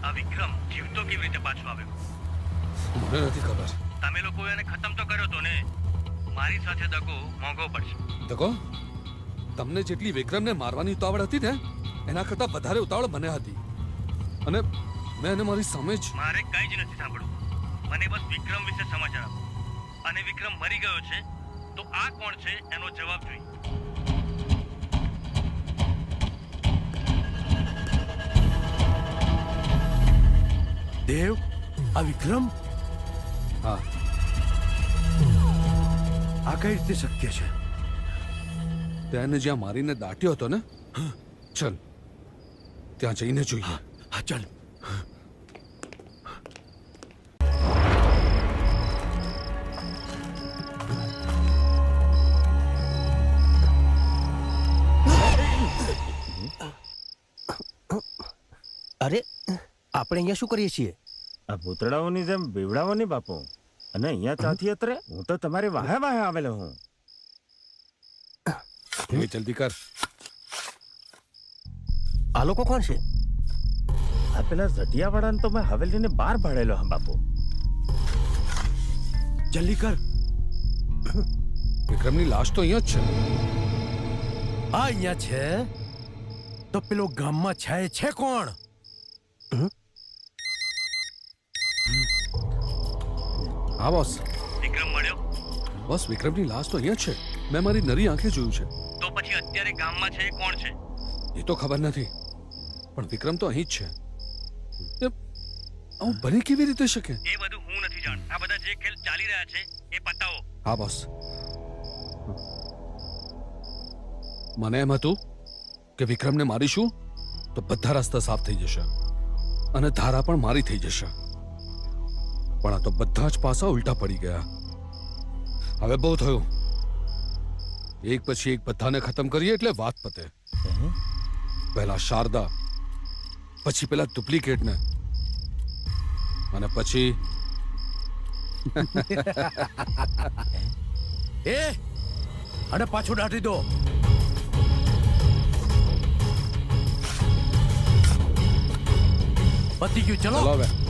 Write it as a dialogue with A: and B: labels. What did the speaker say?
A: આ વિક્રમ જીવતો કેવી રીતે પાછો આવ્યો?
B: મને નથી ખબર.
A: તમે લોકો એને ખતમ તો કર્યો તો ને. મારી સાથે દગો મોંઘો પડશે.
B: દગો? તમને જેટલી વિક્રમને મારવાની ઉતાવળ હતી ને એના કરતાં વધારે ઉતાવળ મને હતી. અને મેં એને મારી સામે જ.
A: મારે કંઈ જ નથી સાંભળવું. મને બસ વિક્રમ વિશે સમાચાર આપો. અને વિક્રમ મરી ગયો છે તો આ કોણ છે એનો જવાબ જોઈએ.
C: દેવ, આ વિક્રમ?
B: હા,
C: આ કઈ રીતે શક્ય છે?
B: તેને જ્યાં મારીને દાટ્યો હતો ને, ચલ ત્યાં જઈને જોઈએ.
C: હા ચાલ.
D: અરે આપણે અહીંયા શું કરીએ છીએ?
E: આ ભૂતળાઓની જેમ બીવડાવોની બાપુ. અને અહીંયા ચાથી અત્રે હું તો તમારી વાહે વાહે આવેલો હું.
B: એ જલ્દી કર.
D: આ લોકો કોણ છે?
E: આ પેલા ઝટિયાવાળાને તો મેં હવેલીને બહાર ભાડેલો હા બાપુ.
C: જલ્દી કર.
B: વિક્રમની લાશ તો અહીંયા જ છે.
C: આ અહીંયા છે તો પેલો ગામમાં છે કોણ?
B: હા બોસ.
A: વિક્રમ મળ્યો?
B: બસ વિક્રમની લાશ તો અહીંયા જ છે. મેં મારી નરી આંખે જોયું છે.
A: તો પછી અત્યારે ગામમાં છે એ કોણ છે?
B: એ તો ખબર નથી પણ વિક્રમ તો અહીં જ છે. આવું બની કેવી રીતે શકે?
A: એ બધું હું નથી જાણ. આ બધા જે ખેલ ચાલી રહ્યા છે એ પતાવો.
B: હા બોસ. મને એમ હતું કે વિક્રમને મારીશું તો બધા રસ્તા સાફ થઈ જશે અને ધારા પણ મારી થઈ જશે. પણ આ તો બધા જ પાસા ઉલટા પડી ગયા. હવે બહુ થયું. એક પછી એક બધાને ખતમ કરીએ એટલે વાત પતે. પહેલા શારદા, પછી પેલા ડુપ્લિકેટને અને પછી
C: એ અને પાછો દાટી દો. પતી ગયું, ચલો.
B: ચલો હવે.